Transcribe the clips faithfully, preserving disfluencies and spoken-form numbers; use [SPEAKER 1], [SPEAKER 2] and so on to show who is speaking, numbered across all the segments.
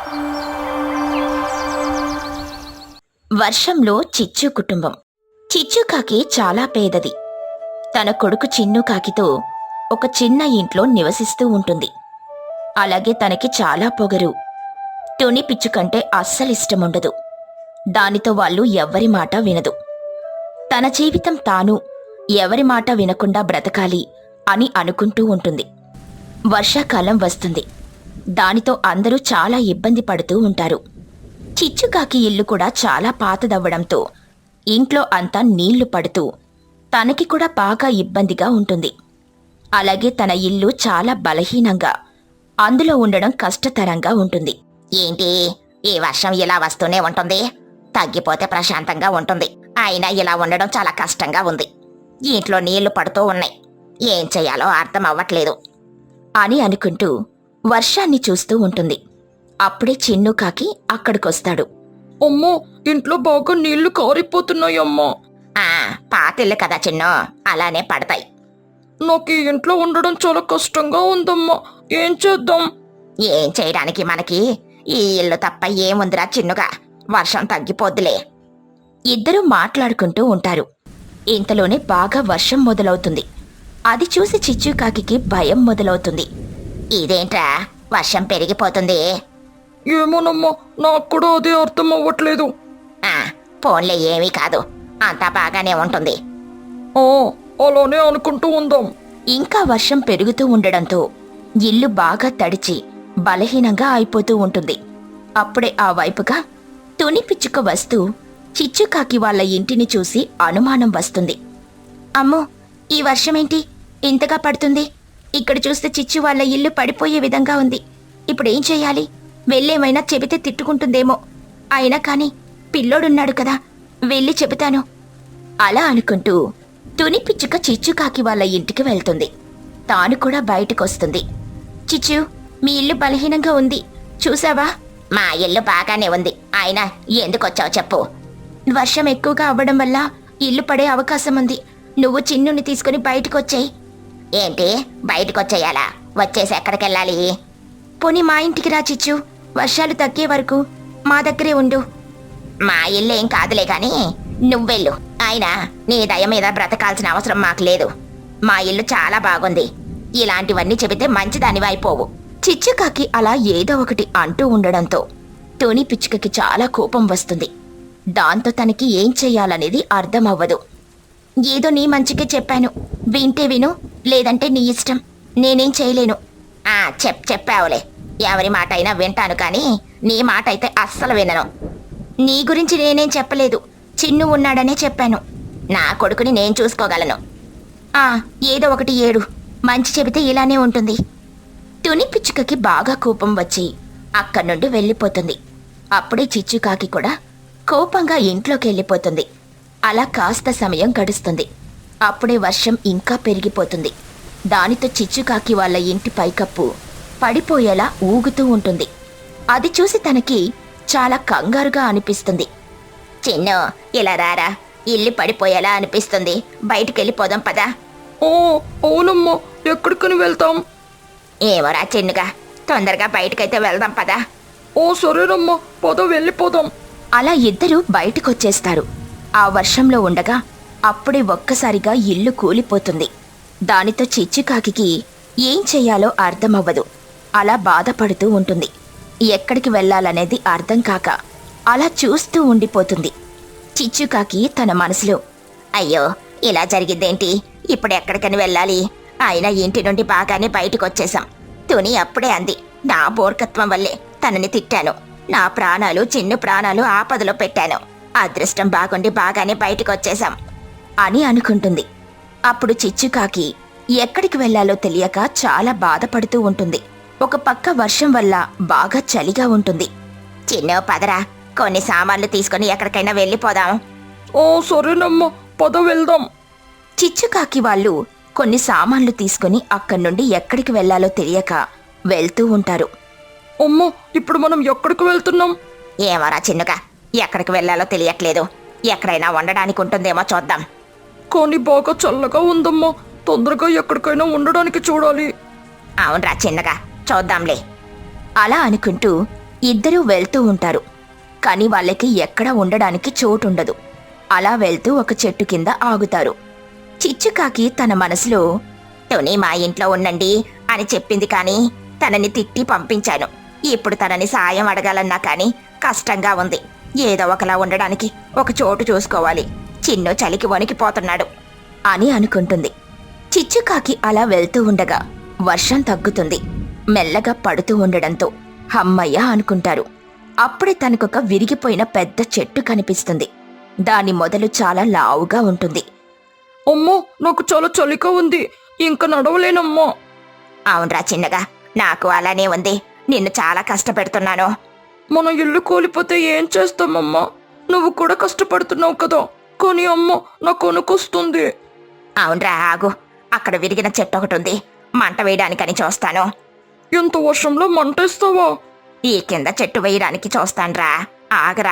[SPEAKER 1] వర్షంలో చిచ్చు కుటుంబం. చిచ్చు కాకి చాలా పేదది. తన కొడుకు చిన్ను కాకితో ఒక చిన్న ఇంట్లో నివసిస్తూ ఉంటుంది. అలాగే తనకి చాలా పొగరు. తుని పిచ్చుకంటే అస్సలిష్టముండదు. దానితో వాళ్ళు ఎవ్వరి మాట వినదు. తన జీవితం తాను ఎవరి మాట వినకుండా బ్రతకాలి అని అనుకుంటూ ఉంటుంది. వర్షాకాలం వస్తుంది. దానితో అందరూ చాలా ఇబ్బంది పడుతూ ఉంటారు. చిచ్చుకాకి ఇల్లు కూడా చాలా పాతదవ్వడంతో ఇంట్లో అంతా నీళ్లు పడుతూ తనకి కూడా బాగా ఇబ్బందిగా ఉంటుంది. అలాగే తన ఇల్లు చాలా బలహీనంగా, అందులో ఉండడం కష్టతరంగా ఉంటుంది.
[SPEAKER 2] ఏంటి ఈ వర్షం ఇలా వస్తూనే ఉంటుంది, తగ్గిపోతే ప్రశాంతంగా ఉంటుంది. అయినా ఇలా ఉండడం చాలా కష్టంగా ఉంది. ఇంట్లో నీళ్లు పడుతూ ఉన్నాయి. ఏం చెయ్యాలో అర్థం అవ్వట్లేదు
[SPEAKER 1] అని అనుకుంటూ వర్షాన్ని చూస్తూ ఉంటుంది. అప్పుడే చిన్ను కాకి అక్కడికొస్తాడు.
[SPEAKER 3] అమ్మో, ఇంట్లో బాగా నీళ్లు కారిపోతున్నాయమ్మా.
[SPEAKER 2] ఆ పాతిల్లు కదా చిన్ను, అలానే పడతాయి.
[SPEAKER 3] నాకు ఈ ఇంట్లో ఉండడం చాలా కష్టంగా ఉందమ్మా. ఏం చేద్దాం?
[SPEAKER 2] ఏం చేయడానికి మనకి ఈ ఇల్లు తప్ప ఏముందిరా చిన్నుగా, వర్షం తగ్గిపోద్దులే.
[SPEAKER 1] ఇద్దరూ మాట్లాడుకుంటూ ఉంటారు. ఇంతలోనే బాగా వర్షం మొదలవుతుంది. అది చూసి చిచ్చుకాకి భయం మొదలవుతుంది.
[SPEAKER 2] ఇదేంట్రా వర్షం పెరిగిపోతుంది?
[SPEAKER 3] ఏమోనమ్మా, నాకు కూడా అదే అర్థం అవ్వట్లేదు.
[SPEAKER 2] ఆ ఫోన్లే ఏమీ కాదు, అంతా బాగానే ఉంటుంది.
[SPEAKER 3] ఆ అలానే అనుకుంటూ ఉందాం.
[SPEAKER 1] ఇంకా వర్షం పెరుగుతూ ఉండడంతో ఇల్లు బాగా తడిచి బలహీనంగా అయిపోతూ ఉంటుంది. అప్పుడే ఆ వైపుగా తుని పిచ్చుక వస్తూ చిచ్చుకాకి వాళ్ళ ఇంటిని చూసి అనుమానం వస్తుంది. అమ్మో, ఈ వర్షమేంటి ఇంతగా పడుతుంది? ఇక్కడ చూస్తే చిచ్చు వాళ్ళ ఇల్లు పడిపోయే విధంగా ఉంది. ఇప్పుడేం చెయ్యాలి? వెళ్ళేమైనా చెబితే తిట్టుకుంటుందేమో. అయినా కాని పిల్లోడున్నాడు కదా, వెళ్ళి చెబుతాను. అలా అనుకుంటూ తుని పిచ్చుక చిచ్చుకాకి వాళ్ళ ఇంటికి వెళ్తుంది. తాను కూడా బయటకొస్తుంది. చిచ్చు, మీ ఇల్లు బలహీనంగా ఉంది, చూసావా?
[SPEAKER 2] మా ఇల్లు బాగానే ఉంది, అయినా ఎందుకొచ్చావు చెప్పు.
[SPEAKER 1] వర్షం ఎక్కువగా అవ్వడం వల్ల ఇల్లు పడే అవకాశం ఉంది. నువ్వు చిన్నుని తీసుకుని బయటకొచ్చేయి.
[SPEAKER 2] ఏంటి బయటకొచ్చేయాలా? వచ్చేసి ఎక్కడికెళ్ళాలి?
[SPEAKER 1] పోనీ మా ఇంటికి రా చిచ్చు, వర్షాలు తగ్గే వరకు మా దగ్గరే ఉండు.
[SPEAKER 2] మా ఇల్లు ఏం కాదులే గాని నువ్వెళ్ళు. అయినా నీ దయ మీద బ్రతకాల్సిన అవసరం మాకు లేదు. మా ఇల్లు చాలా బాగుంది. ఇలాంటివన్నీ చెబితే మంచిదానివి అయిపోవు.
[SPEAKER 1] చిచ్చుకాకి అలా ఏదో ఒకటి అంటూ ఉండడంతో తుని పిచ్చుకకి చాలా కోపం వస్తుంది. దాంతో తనకి ఏం చెయ్యాలనేది అర్థమవ్వదు. ఏదో నీ మంచికే చెప్పాను, వింటే విను, లేదంటే నీ ఇష్టం, నేనేం చేయలేను.
[SPEAKER 2] ఆ చెప్ చెప్పావులే, ఎవరి మాట అయినా వింటాను కానీ నీ మాట అయితే అస్సలు వినను.
[SPEAKER 1] నీ గురించి నేనేం చెప్పలేదు, చిన్ను ఉన్నాడనే చెప్పాను.
[SPEAKER 2] నా కొడుకుని నేను చూసుకోగలను.
[SPEAKER 1] ఆ ఏదో ఒకటి ఏడు, మంచి చెబితే ఇలానే ఉంటుంది. తుని పిచ్చుకకి బాగా కోపం వచ్చి అక్కడి నుండి వెళ్ళిపోతుంది. అప్పుడే చిచ్చుకాకి కూడా కోపంగా ఇంట్లోకి వెళ్ళిపోతుంది. అలా కాస్త సమయం గడుస్తుంది. అప్పుడే వర్షం ఇంకా పెరిగిపోతుంది. దానితో చిచ్చుకాకి వాళ్ళ ఇంటి పైకప్పు పడిపోయేలా ఊగుతూ ఉంటుంది. అది చూసి తనకి చాలా కంగారుగా అనిపిస్తుంది.
[SPEAKER 2] చిన్ను, ఇలా రారా, ఇల్లు పడిపోయేలా అనిపిస్తుంది, బయటికెళ్ళిపోదాం పదా.
[SPEAKER 3] ఓ అవునమ్మా, ఎక్కడికని వెళ్తాం?
[SPEAKER 2] ఏమోరా చిన్నుగా, తొందరగా బయటకైతే వెళ్దాం పదా.
[SPEAKER 3] ఓ సరేనమ్మా, పద వెళ్ళిపోదాం.
[SPEAKER 1] అలా ఇద్దరూ బయటకొచ్చేస్తారు. ఆ వర్షంలో ఉండగా అప్పుడే ఒక్కసారిగా ఇల్లు కూలిపోతుంది. దానితో చిచ్చుకాకి ఏం చెయ్యాలో అర్థమవ్వదు. అలా బాధపడుతూ ఉంటుంది. ఎక్కడికి వెళ్ళాలనేది అర్థం కాక అలా చూస్తూ ఉండిపోతుంది. చిచ్చుకాకి తన మనసులో,
[SPEAKER 2] అయ్యో ఇలా జరిగిద్దేంటి, ఇప్పుడు ఎక్కడికని వెళ్ళాలి? అయినా ఇంటి నుండి బాగానే బయటకొచ్చేశాం. తుని అప్పుడే అంది, నా బోర్కత్వం వల్లే తనని తిట్టాను. నా ప్రాణాలు చిన్ను ప్రాణాలు ఆపదలో పెట్టాను. అదృష్టం బాగుండి బాగానే బయటకొచ్చేశాం
[SPEAKER 1] అని అనుకుంటుంది. అప్పుడు చిచ్చుకాకి ఎక్కడికి వెళ్లాలో తెలియక చాలా బాధపడుతూ ఉంటుంది. ఒక పక్క వర్షం వల్ల బాగా చలిగా ఉంటుంది.
[SPEAKER 2] చిన్ను పదరా, కొన్ని సామాన్లు తీసుకుని ఎక్కడికైనా వెళ్ళిపోదాం.
[SPEAKER 3] ఓ సరేనమ్మా, పద వెళ్దాం.
[SPEAKER 1] చిచ్చుకాకి వాళ్ళు కొన్ని సామాన్లు తీసుకుని అక్కడి నుండి ఎక్కడికి వెళ్లాలో తెలియక వెళ్తూ ఉంటారు.
[SPEAKER 3] అమ్మా, ఇప్పుడు మనం ఎక్కడికి వెళ్తున్నాం?
[SPEAKER 2] ఏమోరా చిన్నుగా, ఎక్కడికి వెళ్ళాలో తెలియట్లేదు. ఎక్కడైనా ఉండడానికి ఉంటుందేమో చూద్దాం.
[SPEAKER 3] కానీ బాగా చల్లగా ఉందమ్మా, తొందరగా ఎక్కడికైనా ఉండడానికి చూడాలి.
[SPEAKER 2] అవునరా చిన్నగా, చూద్దాంలే.
[SPEAKER 1] అలా అనుకుంటూ ఇద్దరూ వెళ్తూ ఉంటారు. కాని వాళ్ళకి ఎక్కడ ఉండడానికి చోటుండదు. అలా వెళ్తూ ఒక చెట్టు కింద ఆగుతారు. చిచ్చుకాకి తన మనసులో,
[SPEAKER 2] తుని మా ఇంట్లో ఉండండి అని చెప్పింది కానీ తనని తిట్టి పంపించాను. ఇప్పుడు తనని సాయం అడగాలన్నా కానీ కష్టంగా ఉంది. ఏదో ఒకలా ఉండడానికి ఒక చోటు చూసుకోవాలి. చిన్ను చలికి వణికిపోతున్నాడు
[SPEAKER 1] అని అనుకుంటుంది. చిచ్చుకాకి అలా వెళ్తూ ఉండగా వర్షం తగ్గుతుంది. మెల్లగా పడుతూ ఉండడంతో హమ్మయ్య అనుకుంటారు. అప్పుడే తనకొక విరిగిపోయిన పెద్ద చెట్టు కనిపిస్తుంది. దాని మొదలు చాలా లావుగా ఉంటుంది.
[SPEAKER 3] అమ్మో, నాకు చాలా చలిగా ఉంది, ఇంక నడవలేనమ్మా.
[SPEAKER 2] అవునరా చిన్నగా, నాకు అలానే ఉంది. నిన్ను చాలా కష్టపెడుతున్నాను.
[SPEAKER 3] మన ఇల్లు కూలిపోతే ఏం చేస్తామమ్మా? నువ్వు కూడా కష్టపడుతున్నావు కదా. కానీ అమ్మ, నాకు వణుకొస్తుంది.
[SPEAKER 2] అవునరా, ఆగు. అక్కడ విరిగిన చెట్టు ఒకటి ఉంది. మంట వేయడానికని చూస్తాను.
[SPEAKER 3] ఎంత వర్షంలో మంటేస్తావా?
[SPEAKER 2] ఈ కింద చెట్టు వేయడానికి చూస్తాన్రా, ఆగరా.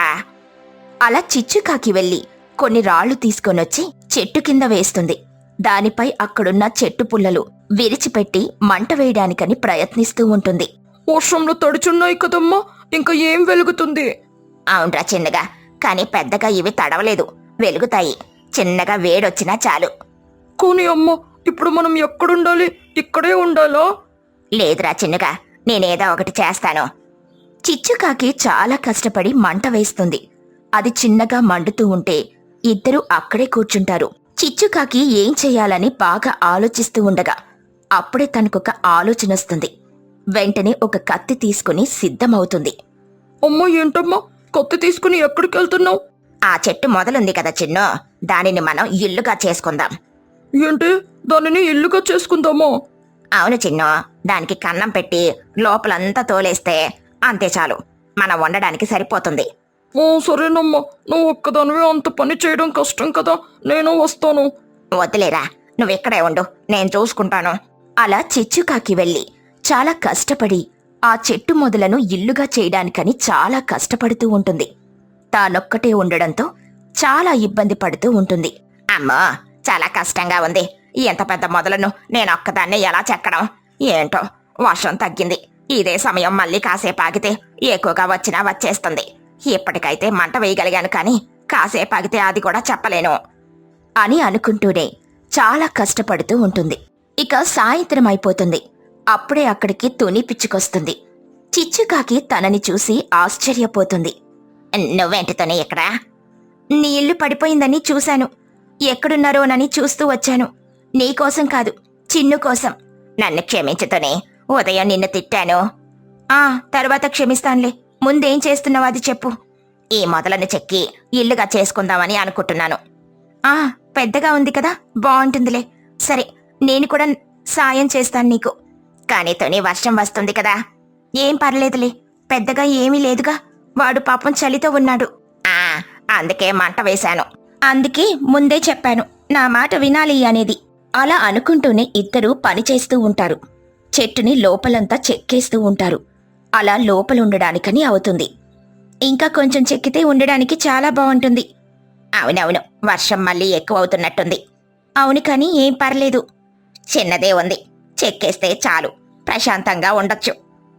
[SPEAKER 1] అలా చిచ్చుకాకి వెళ్ళి కొన్ని రాళ్లు తీసుకొనొచ్చి చెట్టు కింద వేస్తుంది. దానిపై అక్కడున్న చెట్టు పుల్లలు విరిచిపెట్టి మంట వేయడానికని ప్రయత్నిస్తూ ఉంటుంది.
[SPEAKER 3] వర్షంలో తడిచున్నాయి కదమ్మా, ఇంకా ఏం వెలుగుతుంది?
[SPEAKER 2] అవునరా చిన్నగా, కానీ పెద్దగా ఇవి తడవలేదు, వెలుగుతాయి. చిన్నగా వేడొచ్చినా చాలు.
[SPEAKER 3] కానీ అమ్మ, ఇప్పుడు మనం ఎక్కడుండాలి? ఇక్కడే ఉండాలా?
[SPEAKER 2] లేదురా చిన్నగా, నేనేదో ఒకటి చేస్తాను.
[SPEAKER 1] చిచ్చుకాకి చాలా కష్టపడి మంట వేస్తుంది. అది చిన్నగా మండుతూ ఉంటే ఇద్దరూ అక్కడే కూర్చుంటారు. చిచ్చుకాకి ఏం చెయ్యాలని బాగా ఆలోచిస్తూ ఉండగా అప్పుడే తనకొక ఆలోచన వస్తుంది. వెంటనే ఒక కత్తి తీసుకుని సిద్ధమవుతుంది.
[SPEAKER 3] అమ్మ, ఏంటమ్మా కత్తి తీసుకుని ఎక్కడికి వెళ్తున్నావు?
[SPEAKER 2] ఆ చెట్టు మొదలుంది కదా చిన్ను, దానిని మనం ఇల్లుగా చేసుకుందాం.
[SPEAKER 3] ఏంటి, దానిని ఇల్లుగా చేసుకుందామా?
[SPEAKER 2] అవును చిన్ను, దానికి కన్నం పెట్టి లోపలంతా తోలేస్తే అంతే చాలు, మనం వండడానికి సరిపోతుంది.
[SPEAKER 3] ఓ సరేనమ్మా, నువ్వు ఒక్కదానివే అంత పని చేయడం కష్టం కదా, నేను వస్తాను.
[SPEAKER 2] వద్దులేరా, నువ్వెక్కడే ఉండు, నేను చూసుకుంటాను.
[SPEAKER 1] అలా చిచ్చుకాకి వెళ్ళి చాలా కష్టపడి ఆ చెట్టు మొదలను ఇల్లుగా చేయడానికని చాలా కష్టపడుతూ ఉంటుంది. తానొక్కటే ఉండడంతో చాలా ఇబ్బంది పడుతూ ఉంటుంది.
[SPEAKER 2] అమ్మో, చాలా కష్టంగా ఉంది. ఎంత పెద్ద మొదలను నేను ఒక్కదాన్నే ఎలా చెక్కడం? ఏంటో, వర్షం తగ్గింది. ఇదే సమయం మళ్ళీ కాసేపు ఆగితే ఎక్కువగా వచ్చినా వచ్చేస్తుంది. ఇప్పటికైతే మంట వేయగలిగాను, కానీ కాసేపు ఆగితే అది కూడా చెప్పలేను
[SPEAKER 1] అని అనుకుంటూనే చాలా కష్టపడుతూ ఉంటుంది. ఇక సాయంత్రం అయిపోతుంది. అప్పుడే అక్కడికి తుని పిచ్చుకొస్తుంది. చిచ్చుకాకి తనని చూసి ఆశ్చర్యపోతుంది.
[SPEAKER 2] నువ్వేంటితోనే ఇక్కడ?
[SPEAKER 1] నీ ఇల్లు పడిపోయిందని చూశాను. ఎక్కడున్నారోనని చూస్తూ వచ్చాను. నీకోసం కాదు, చిన్ను కోసం.
[SPEAKER 2] నన్ను క్షమించుతోనే, ఉదయం నిన్ను తిట్టాను.
[SPEAKER 1] ఆ తర్వాత క్షమిస్తానులే. ముందేం చేస్తున్నావు అది చెప్పు.
[SPEAKER 2] ఈ మొదలను చెక్కి ఇల్లుగా చేసుకుందామని అనుకుంటున్నాను.
[SPEAKER 1] ఆ పెద్దగా ఉంది కదా, బాగుంటుందిలే. సరే, నేను కూడా సాయం చేస్తాను నీకు.
[SPEAKER 2] కానీ తోని వర్షం వస్తుంది కదా.
[SPEAKER 1] ఏం పర్లేదులే, పెద్దగా ఏమీ లేదుగా. వాడు పాపం చలితో ఉన్నాడు.
[SPEAKER 2] ఆ అందుకే మంట వేశాను.
[SPEAKER 1] అందుకే ముందే చెప్పాను, నా మాట వినాలి అనేది. అలా అనుకుంటూనే ఇద్దరూ పనిచేస్తూ ఉంటారు. చెట్టుని లోపలంతా చెక్కేస్తూ ఉంటారు. అలా లోపలుండడానికని అవుతుంది. ఇంకా కొంచెం చెక్కితే ఉండడానికి చాలా బాగుంటుంది.
[SPEAKER 2] అవునవును, వర్షం మళ్ళీ ఎక్కువ అవుతున్నట్టుంది.
[SPEAKER 1] అవును, కానీ ఏం పర్లేదు.
[SPEAKER 2] చిన్నదే ఉంది, చెక్కేస్తే చాలు, ప్రశాంతంగా ఉండొచ్చు.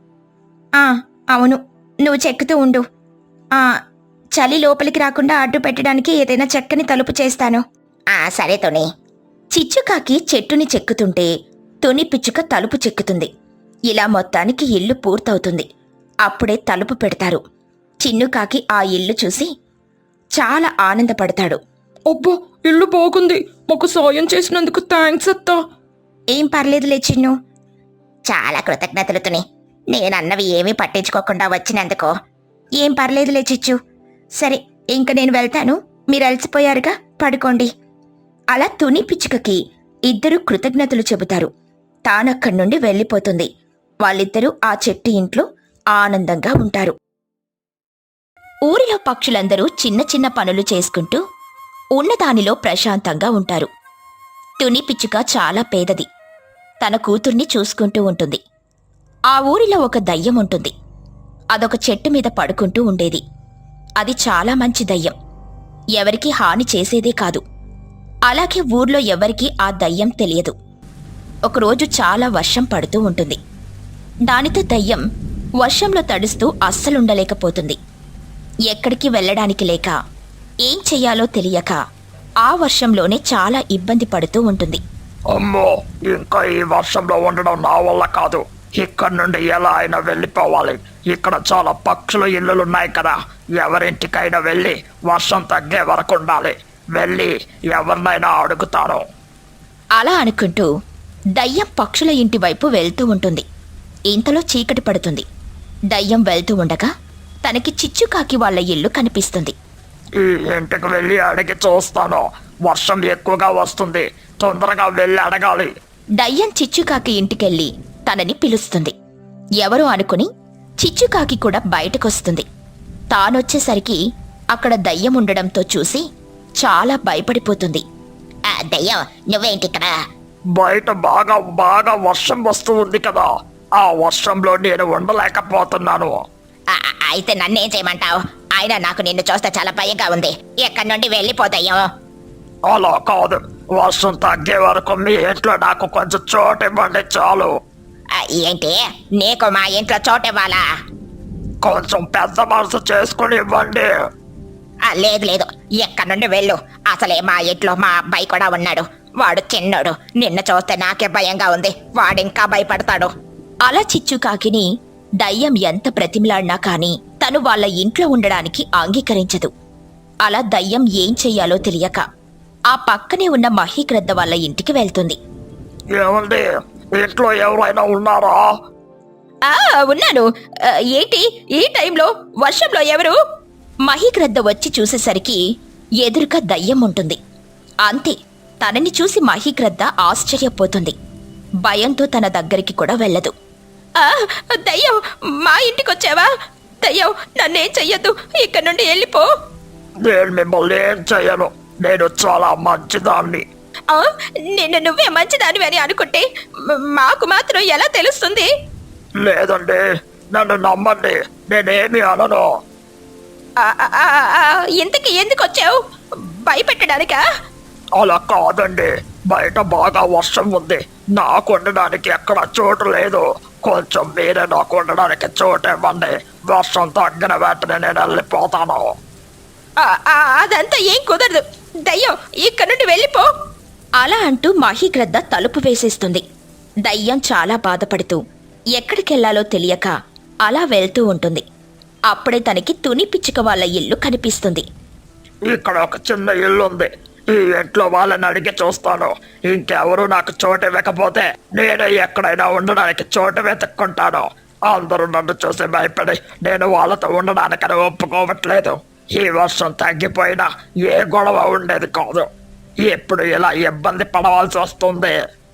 [SPEAKER 1] ఆ అవును, నువ్వు చెక్కుతూ ఉండు. ఆ చలి లోపలికి రాకుండా అడ్డు పెట్టడానికి ఏదైనా చెక్కని తలుపు చేస్తాను.
[SPEAKER 2] ఆ సరే తోని.
[SPEAKER 1] చిచ్చుకాకి చెట్టుని చెక్కుతుంటే తుని పిచ్చుక తలుపు చెక్కుతుంది. ఇలా మొత్తానికి ఇల్లు పూర్తవుతుంది. అప్పుడే తలుపు పెడతారు. చిన్నుకాకి ఆ ఇల్లు చూసి చాలా ఆనందపడతాడు.
[SPEAKER 3] అబ్బా, ఇల్లు బాగుంది. మాకు సాయం చేసినందుకు థ్యాంక్స్ అత్తా.
[SPEAKER 1] ఏం పర్లేదులే చిన్ను.
[SPEAKER 2] చాలా కృతజ్ఞతలు తుని, నేనన్నవి ఏమీ పట్టించుకోకుండా వచ్చినందుకో.
[SPEAKER 1] ఏం పర్లేదులే చిచ్చు. సరే, ఇంక నేను వెళ్తాను. మీరు అలసిపోయారుగా, పడుకోండి. అలా తుని పిచ్చుకకి ఇద్దరు కృతజ్ఞతలు చెబుతారు. తానక్కడి నుండి వెళ్ళిపోతుంది. వాళ్ళిద్దరూ ఆ చెట్టు ఇంట్లో ఆనందంగా ఉంటారు. ఊరిలో పక్షులందరూ చిన్న చిన్న పనులు చేసుకుంటూ ఉన్నదానిలో ప్రశాంతంగా ఉంటారు. తుని పిచ్చుక చాలా పేదది. తన కూతుర్ని చూసుకుంటూ ఉంటుంది. ఆ ఊరిలో ఒక దయ్యం ఉంటుంది. అదొక చెట్టు మీద పడుకుంటూ ఉండేది. అది చాలా మంచి దయ్యం. ఎవరికీ హాని చేసేదే కాదు. అలాగే ఊర్లో ఎవరికీ ఆ దయ్యం తెలియదు. ఒకరోజు చాలా వర్షం పడుతూ ఉంటుంది. దానితో దయ్యం వర్షంలో తడుస్తూ అస్సలుండలేకపోతుంది. ఎక్కడికి వెళ్ళడానికి లేక ఏం చెయ్యాలో తెలియక ఆ వర్షంలోనే చాలా ఇబ్బంది పడుతూ ఉంటుంది.
[SPEAKER 4] అమ్మో, ఇంకా ఈ వర్షంలో ఉండడం నా వల్ల కాదు. ఇక్కడ నుండి ఎలా అయినా వెళ్ళిపోవాలి. ఇక్కడ చాలా పక్షుల ఇళ్ళులున్నాయి కదా, ఎవరింటికైనా వెళ్ళి వర్షం తగ్గే వరకు ఉండాలి. వెళ్ళి ఎవరినైనా అడుగుతాను.
[SPEAKER 1] అలా అనుకుంటూ దయ్యం పక్షుల ఇంటి వైపు వెళ్తూ ఉంటుంది. ఇంతలో చీకటి పడుతుంది. దయ్యం వెళ్తూ ఉండగా తనకి చిచ్చుకాకి వాళ్ళ ఇల్లు కనిపిస్తుంది.
[SPEAKER 4] ఈ ఇంటికి వెళ్ళి అడిగి చూస్తాను. వర్షం ఎక్కువగా వస్తుంది, తొందరగా వెళ్ళి అడగాలి.
[SPEAKER 1] దయ్యం చిచ్చుకాకి ఇంటికెళ్ళి తనని పిలుస్తుంది. ఎవరో అనుకుని చిచ్చుకాకి కూడా బయటకొస్తుంది. తానొచ్చేసరికి అక్కడ దయ్యం ఉండడంతో చూసి చాలా భయపడిపోతుంది.
[SPEAKER 2] ఆ దయ్యం నువ్వేంటిక్కడ?
[SPEAKER 4] బయట బాగా బాగా వర్షం వస్తూ ఉంది కదా, ఆ వర్షంలో నేను ఉండలేకపోతున్నాను.
[SPEAKER 2] ఆ, అయితే నన్నేం చేయమంటావు? అయినా నాకు నిన్ను చూస్తే చాలా భయంగా ఉంది. ఎక్కడి నుండి వెళ్ళిపోతాయో.
[SPEAKER 4] అలా కాదు, వర్షం తగ్గే వరకు మీ ఇంట్లో నాకు కొంచెం చోటు ఇవ్వండి చాలు.
[SPEAKER 2] ఆ, ఏంటి నీకు మా ఇంట్లో చోటివ్వాలా?
[SPEAKER 4] కొంచెం పెద్ద మనసు చేసుకుని ఇవ్వండి.
[SPEAKER 2] ఆ, లేదు లేదు, ఎక్కడి నుండి వెళ్ళు. అసలే మా ఇంట్లో మా అబ్బాయి కూడా ఉన్నాడు. వాడు చిన్నోడు. నిన్ను చూస్తే నాకే భయంగా ఉంది. వాడింకా భయపడతాడు.
[SPEAKER 1] అలా చిచ్చుకాకిని దయ్యం ఎంత ప్రతిమలాడినా కాని తను వాళ్ళ ఇంట్లో ఉండడానికి అంగీకరించదు. అలా దయ్యం ఏం చెయ్యాలో తెలియక ఆ పక్కనే ఉన్న మహీగ్రద్ద వాళ్ళ ఇంటికి వెళ్తుంది.
[SPEAKER 4] ఏమండి, ఇంట్లో ఎవరైనా ఉన్నారా?
[SPEAKER 1] ఆ ఉన్నాను. ఆ, ఏంటి ఈ టైంలో వర్షంలో ఎవరు? మహీగ్రద్ద వచ్చి చూసేసరికి ఎదురుగా దయ్యం ఉంటుంది. అంతే, తనని చూసి మహీగ్రద్ద ఆశ్చర్యపోతుంది. భయంతో తన దగ్గరికి కూడా వెళ్ళదు. ఆ, దయ్యం, మా ఇంటికొచ్చావా? దయ్యం, నన్నేం చెయ్యొద్దు, ఇక్కడ నుండి వెళ్ళిపో.
[SPEAKER 4] నేను మిమ్మల్ని ఏం చెయ్యను. నేను చాలా మంచిదాన్ని.
[SPEAKER 1] ఆ, నిన్ను నువ్వే మంచిదానివి అని అనుకుంటే మ- మాకు మాత్రం ఎలా తెలుస్తుంది?
[SPEAKER 4] లేదండి, నన్ను నమ్మండి, నేనేమి అనను.
[SPEAKER 1] ఆ, ఆ, ఆ, ఆ, ఇంతకీ ఎందుకు వచ్చావు? భయపెట్టడానికా?
[SPEAKER 4] అలా కాదండి, బయట బాగా వర్షం ఉంది. నాకు ఉండడానికి ఎక్కడ చోటు లేదు. కొంచెం మీరే నాకు ఉండడానికి చోటు ఇవ్వండి. వర్షం తగ్గిన వెంటనే నేను వెళ్ళిపోతాను.
[SPEAKER 1] ఆ, ఆ, అదంతా ఏం కుదరదు. దయ్యం, ఇక్కడ నుండి వెళ్ళిపో. అలా అంటూ మహీగ్రద్ద తలుపు వేసేస్తుంది. దయ్యం చాలా బాధపడుతూ ఎక్కడికెళ్లాలో తెలియక అలా వెళ్తూ ఉంటుంది. అప్పుడే తనకి తుని పిచ్చుక వాళ్ళ ఇల్లు కనిపిస్తుంది.
[SPEAKER 4] ఇక్కడ ఒక చిన్న ఇల్లు ఉంది. ఈ ఇంట్లో వాళ్ళని అడిగి చూస్తాను. ఇంకెవరు నాకు చోటు ఇవ్వకపోతే నేనే ఎక్కడైనా ఉండడానికి చోటు వెతుక్కుంటాను. అందరూ నన్ను చూసి భయపడి నేను వాళ్ళతో ఉండడానికని ఒప్పుకోవట్లేదు. ఈ వర్షం తగ్గిపోయినా ఏ గొడవ ఉండేది కాదు. ఎప్పుడు ఇలా ఇబ్బంది పడవలసి వస్తుంది.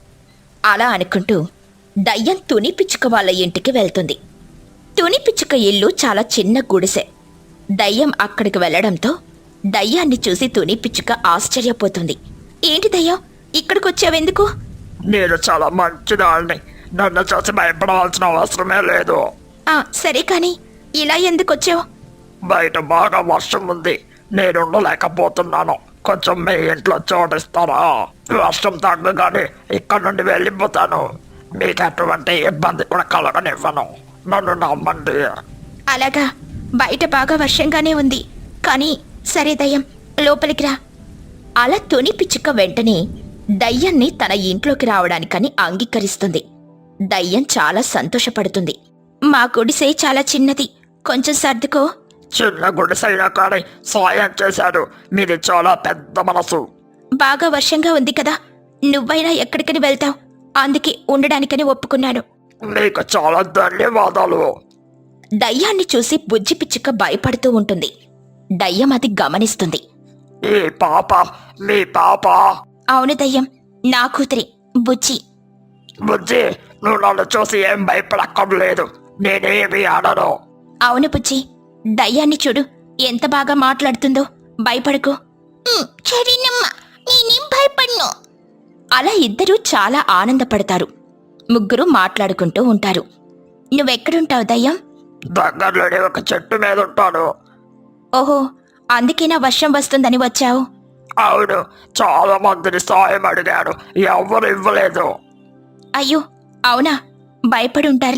[SPEAKER 1] అలా అనుకుంటూ దయ్యం తుని పిచ్చుక వాళ్ళ ఇంటికి వెళ్తుంది. తుని పిచ్చుక ఇల్లు చాలా చిన్న గుడిసె. దయ్యం అక్కడికి వెళ్లడంతో దయ్యాన్ని చూసి తుని పిచ్చుక ఆశ్చర్యపోతుంది. ఏంటి దయ్యం, ఇక్కడికొచ్చావెందుకు?
[SPEAKER 4] నేను చాలా మంచిదాన్ని. నన్ను చూసి భయపడవలసిన అవసరమే లేదు.
[SPEAKER 1] ఆ సరే కాని ఇలా ఎందుకొచ్చావు?
[SPEAKER 4] బయట బాగా వర్షం ఉంది, నేను ఉండలేకపోతున్నాను. కొంచెం మీ ఇంట్లో చోటిస్తారా? వర్షం తగ్గగానే ఇక్కడ నుండి వెళ్ళిపోతాను. మీకు ఎటువంటి ఇబ్బంది కూడా కలగనివ్వను. నన్ను నమ్మండి.
[SPEAKER 1] అలాగా, బయట బాగా వర్షంగానే ఉంది. కానీ సరే దయ్యం, లోపలికి రా. అలా తుని పిచ్చుక వెంటనే దయ్యాన్ని తన ఇంట్లోకి రావడానికని అంగీకరిస్తుంది. దయ్యం చాలా సంతోషపడుతుంది. మా గుడిసె చాలా చిన్నది, కొంచెం సర్దుకో.
[SPEAKER 4] చిన్న గుడిసైనా కానీ సాయం చేశాడు. మీది చాలా పెద్ద మనసు.
[SPEAKER 1] బాగా వర్షంగా ఉంది కదా, నువ్వైనా ఎక్కడికని వెళ్తావు, అందుకే ఉండడానికని ఒప్పుకున్నాను.
[SPEAKER 4] మీకు చాలా ధన్యవాదాలు.
[SPEAKER 1] దయ్యాన్ని చూసి బుజ్జి పిచ్చుక భయపడుతూ ఉంటుంది. దయ్యం అది గమనిస్తుంది.
[SPEAKER 4] ఈ పాప మీ పాప?
[SPEAKER 1] అవును దయ్యం, నా కూతురి బుజ్జి.
[SPEAKER 4] బుజ్జి, నువ్వు నన్ను చూసి ఏం భయపడక్కర్లేదు. నేనేమి అనను.
[SPEAKER 1] అవును బుజ్జి, దయ్యాన్ని చూడు ఎంత బాగా మాట్లాడుతుందో, భయపడకు.
[SPEAKER 2] సరేనమ్మా, నేనేం భయపడను.
[SPEAKER 1] అలా ఇద్దరూ చాలా ఆనందపడతారు. ముగ్గురు మాట్లాడుకుంటూ ఉంటారు. నువ్వెక్కడుంటావు దయ్యం?
[SPEAKER 4] దగ్గరలోనే ఒక చెట్టు మీద ఉంటాను.
[SPEAKER 1] ఓహో, అందుకేనా వర్షం వస్తుందని వచ్చావు?
[SPEAKER 4] అవును, చాలా మందిని సాయం అడిగాను, ఎవరు ఇవ్వలేదు.
[SPEAKER 1] అయ్యో అవునా, భయపడి ఉంటారులే.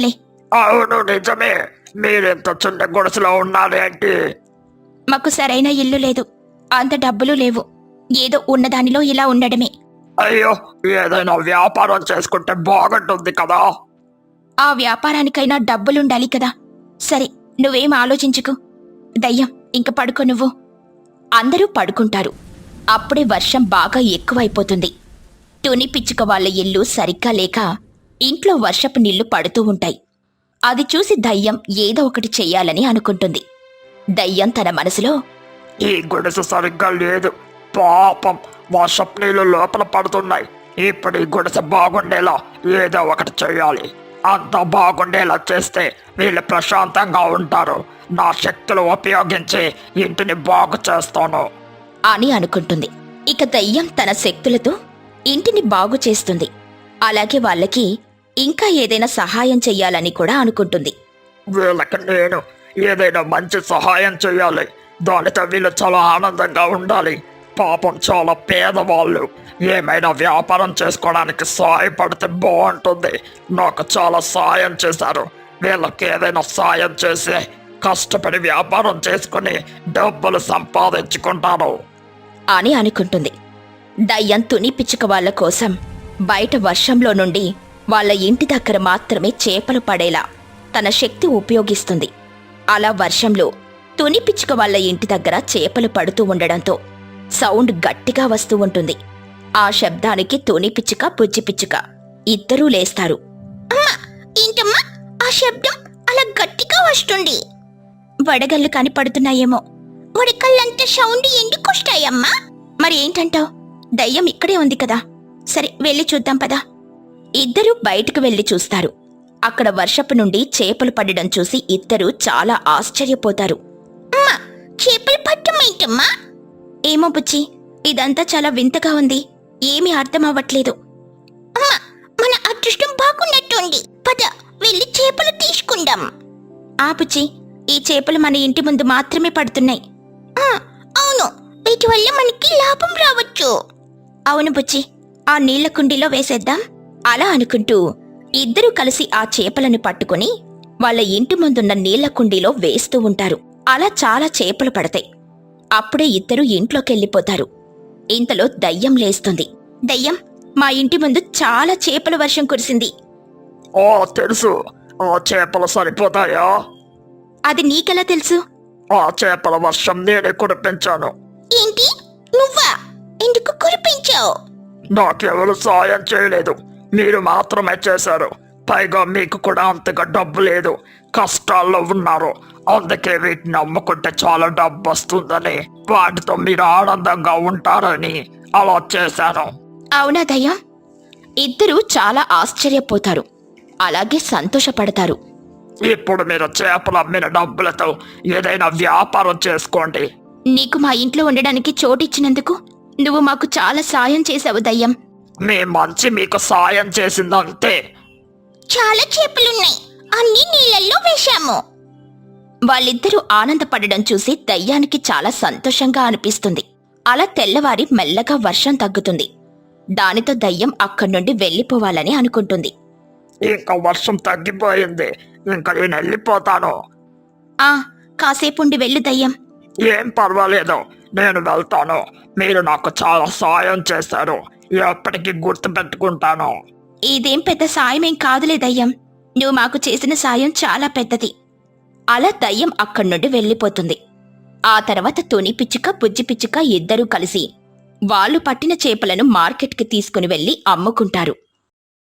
[SPEAKER 4] అవును నిజమే. మీరెంత చిన్న గుడిసెలో ఉన్నారేంటి?
[SPEAKER 1] మాకు సరైన ఇల్లు లేదు, అంత డబ్బులు లేవు. ఏదో ఉన్నదానిలో ఇలా ఉండడమే.
[SPEAKER 4] అయ్యో, ఏదైనా వ్యాపారం చేసుకుంటే బాగుంటుంది కదా.
[SPEAKER 1] ఆ వ్యాపారానికైనా డబ్బులుండాలి కదా. సరే, నువ్వేం ఆలోచించుకు. దయ్యం, ఇంక పడుకో నువ్వు. అందరూ పడుకుంటారు. అప్పుడే వర్షం బాగా ఎక్కువైపోతుంది. తుని పిచ్చుక వాళ్ళ ఇల్లు సరిగ్గా లేక ఇంట్లో వర్షపు నీళ్లు పడుతూ ఉంటాయి. అది చూసి దయ్యం ఏదో ఒకటి చెయ్యాలని అనుకుంటుంది. దయ్యం తన మనసులో,
[SPEAKER 4] ఈ గుడిసె సరిగ్గా లేదు. పాపం, వర్షపు నీళ్ళు లోపల పడుతున్నాయి. ఇప్పుడు ఈ గుడిసె బాగుండేలా ఏదో ఒకటి చెయ్యాలి. అంతా బాగుండేలా చేస్తే వీళ్ళు ప్రశాంతంగా ఉంటారు. నా శక్తులు ఉపయోగించి ఇంటిని బాగు చేస్తాను
[SPEAKER 1] అని అనుకుంటుంది. ఇక దయ్యం తన శక్తులతో ఇంటిని బాగు చేస్తుంది. అలాగే వాళ్ళకి ఇంకా ఏదైనా సహాయం చెయ్యాలని కూడా అనుకుంటుంది.
[SPEAKER 4] వీళ్ళకి నేను ఏదైనా మంచి సహాయం చేయాలి. దానితో వీళ్ళు చాలా ఆనందంగా ఉండాలి. పాపం, చాలా పేదవాళ్ళు. ఏమైనా వ్యాపారం చేసుకోవడానికి సాయపడితే బాగుంటుంది. నాకు చాలా సాయం చేశారు. వీళ్ళకి ఏదైనా సాయం చేసి కష్టపడి వ్యాపారం చేసుకుని డబ్బులు సంపాదించుకుంటాను
[SPEAKER 1] అని అనుకుంటుంది. దయ్యం తుని పిచ్చుక వాళ్ళ కోసం బయట వర్షంలో నుండి వాళ్ళ ఇంటి దగ్గర మాత్రమే చేపలు పడేలా తన శక్తి ఉపయోగిస్తుంది. అలా వర్షంలో తుని పిచ్చుక వాళ్ళ ఇంటి దగ్గర చేపలు పడుతూ ఉండడంతో సౌండ్ గట్టిగా వస్తూ ఉంటుంది. ఆ శబ్దానికి తుని పిచ్చుక, బుజ్జి పిచ్చుక ఇద్దరూ లేస్తారు.
[SPEAKER 2] ఏంటమ్మా ఆ శబ్దం అలా గట్టిగా వస్తుంది?
[SPEAKER 1] వడగళ్ళు కనిపడుతున్నాయేమో.
[SPEAKER 2] ఉడకల్లంత సౌండ్ ఎందుకు వస్తాయమ్మా?
[SPEAKER 1] మరి ఏంటంటావ్? దయ్యం ఇక్కడే ఉంది కదా. సరే, వెళ్ళి చూద్దాం పదా. ఇద్దరూ బయటకు వెళ్లి చూస్తారు. అక్కడ వర్షపు నుండి చేపలు పడడం చూసి ఇద్దరూ చాలా ఆశ్చర్యపోతారు.
[SPEAKER 2] అమ్మా, చేపలు పట్టమేంటమ్మా?
[SPEAKER 1] ఏమో బుజ్జి, ఇదంతా చాలా వింతగా ఉంది. ఏమీ అర్థం అవ్వట్లేదు.
[SPEAKER 2] అమ్మా, మన అదృష్టం బాగున్నట్టుంది. పద, వెళ్ళి చేపలు తీసుకుందాం.
[SPEAKER 1] ఆ బుజ్జి, ఈ చేపలు మన ఇంటి ముందు మాత్రమే పడుతున్నాయి.
[SPEAKER 2] ఆ, అవును, వీటి వల్ల మనకి లాభం రావచ్చు.
[SPEAKER 1] అవును బుజ్జి, ఆ నీళ్ల కుండీలో వేసేద్దాం. అలా అనుకుంటూ ఇద్దరూ కలిసి ఆ చేపలను పట్టుకుని వాళ్ళ ఇంటి ముందున్న నీళ్ల కుండీలో వేస్తూ ఉంటారు. అలా చాలా చేపలు పడతాయి. అప్పుడే ఇద్దరూ ఇంట్లోకెళ్ళిపోతారు. ఇంతలో దయ్యం లేస్తుంది. దయ్యం, మా ఇంటి ముందు చాలా చేపల వర్షం కురిసింది.
[SPEAKER 4] ఓ తెలుసు. ఆ చేపలు సరిపోతాయా?
[SPEAKER 1] అది నీకెలా తెలుసు?
[SPEAKER 4] ఆ చేపల వర్షం నేనే కురిపించాను.
[SPEAKER 2] ఏంటి, నువ్వా? ఎందుకు కురిపించావు?
[SPEAKER 4] నాకెవరు సాయం చేయలేదు, మీరు మాత్రమే చేశారు. పైగా మీకు కూడా అంతగా డబ్బు లేదు, కష్టాల్లో ఉన్నారు. అందుకే వీటిని అమ్ముకుంటే చాలా డబ్బు వస్తుందని, వాటితో మీరు ఆనందంగా ఉంటారని అలా చేశాను.
[SPEAKER 1] అవునా దయ్యం? ఇద్దరూ చాలా ఆశ్చర్యపోతారు. అలాగే సంతోషపడతారు.
[SPEAKER 4] ఇప్పుడు మీరు చేపలు అమ్మిన డబ్బులతో ఏదైనా వ్యాపారం చేసుకోండి.
[SPEAKER 1] నీకు మా ఇంట్లో ఉండడానికి చోటిచ్చినందుకు నువ్వు మాకు చాలా సాయం చేశావు దయ్యం.
[SPEAKER 4] మీ మంచి మీకు సాయం చేసిందంతే.
[SPEAKER 2] చాలా చేపలున్నాయి, అన్ని నీళ్ళల్లో వేశాము.
[SPEAKER 1] వాళ్ళిద్దరూ ఆనందపడడం చూసి దయ్యానికి చాలా సంతోషంగా అనిపిస్తుంది. అలా తెల్లవారి మెల్లగా వర్షం తగ్గుతుంది. దానితో దయ్యం అక్కడి నుండి వెళ్ళిపోవాలని అనుకుంటుంది.
[SPEAKER 4] ఇంకా వర్షం తగ్గిపోయింది, ఇంకా నేను వెళ్ళిపోతాను.
[SPEAKER 1] ఆ కాసేపుండి వెళ్ళు దయ్యం.
[SPEAKER 4] ఏం పర్వాలేదు, నేను వెళ్తాను. మీరు నాకు చాలా సాయం చేశారు, ఎప్పటికీ గుర్తు పెట్టుకుంటాను.
[SPEAKER 1] ఇదేం పెద్ద సాయమేం కాదులే దయ్యం, నువ్వు మాకు చేసిన సాయం చాలా పెద్దది. అలా దయ్యం అక్కడి నుండి వెళ్ళిపోతుంది. ఆ తర్వాత తుని పిచ్చుక, బుజ్జి పిచ్చుక ఇద్దరూ కలిసి వాళ్ళు పట్టిన చేపలను మార్కెట్కి తీసుకుని వెళ్లి అమ్ముకుంటారు.